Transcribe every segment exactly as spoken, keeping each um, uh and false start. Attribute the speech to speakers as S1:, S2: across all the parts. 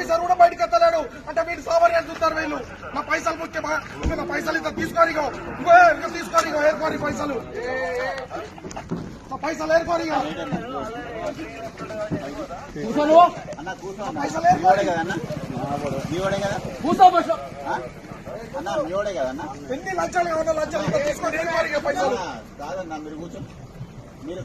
S1: Officer కూడా బయటకు ఎత్తలేడు అంటే వీళ్ళు సామాన్యాన్ని చూస్తారు వీళ్ళు. నా పైసలు ముఖ్యమా? నా పైసలు ఇంత తీసుకోరు ఇగో ఇంకో ఇంకా తీసుకోరు ఇగో ఏర్కోరి పైసలు పైసలు ఏర్కోరి పైసలు ఏర్కోరి ఎన్ని లక్షలు కావాలో లక్షలు ఇంకా తీసుకొని ఏర్కోరి పైసలు
S2: కాదన్నా మీరు కూర్చో మీరు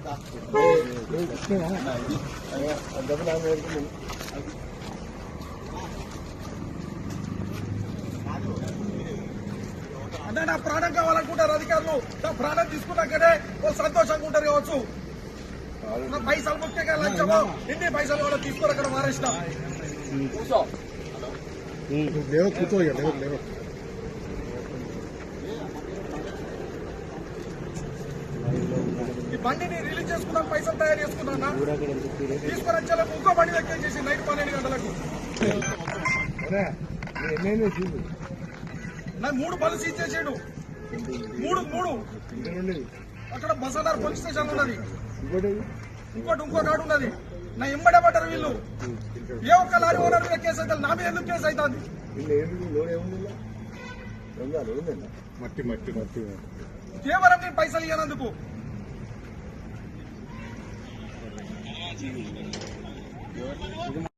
S1: అంటే నా ప్రాణం కావాలనుకుంటారు అధికారులు. నా ప్రాణం తీసుకున్నాకనే సంతోషంగా ఉంటారు కావచ్చు. నా పైసలు ముఖ్యంగా లక్ష్యము ఎన్ని పైసలు కూడా తీసుకుని అక్కడ మారేసిన కూర్చో కూర్చో ఈ బండిని రిలీజ్ చేసుకున్నాం, పైసలు తయారు చేసుకున్నా తీసుకుని వచ్చేలకు ఇంకో బండి ఎక్కేసేసి నైట్ పన్నెండు గంటలకు నాకు మూడు బలు సీజ్ చేసాడు. మూడు మూడు అక్కడ బసనార్ పోలీస్ స్టేషన్ ఉన్నది, ఇంకోటి ఇంకో కాడు ఉన్నది. నా ఎంబడే పడ్డారు వీళ్ళు. ఏ ఒక్క లారీ ఓనర్ మీద కేసు అవుతుంది, నా మీద ఎందుకు కేసు అవుతుంది? కేవలం నేను పైసలు ఇవ్వనందుకు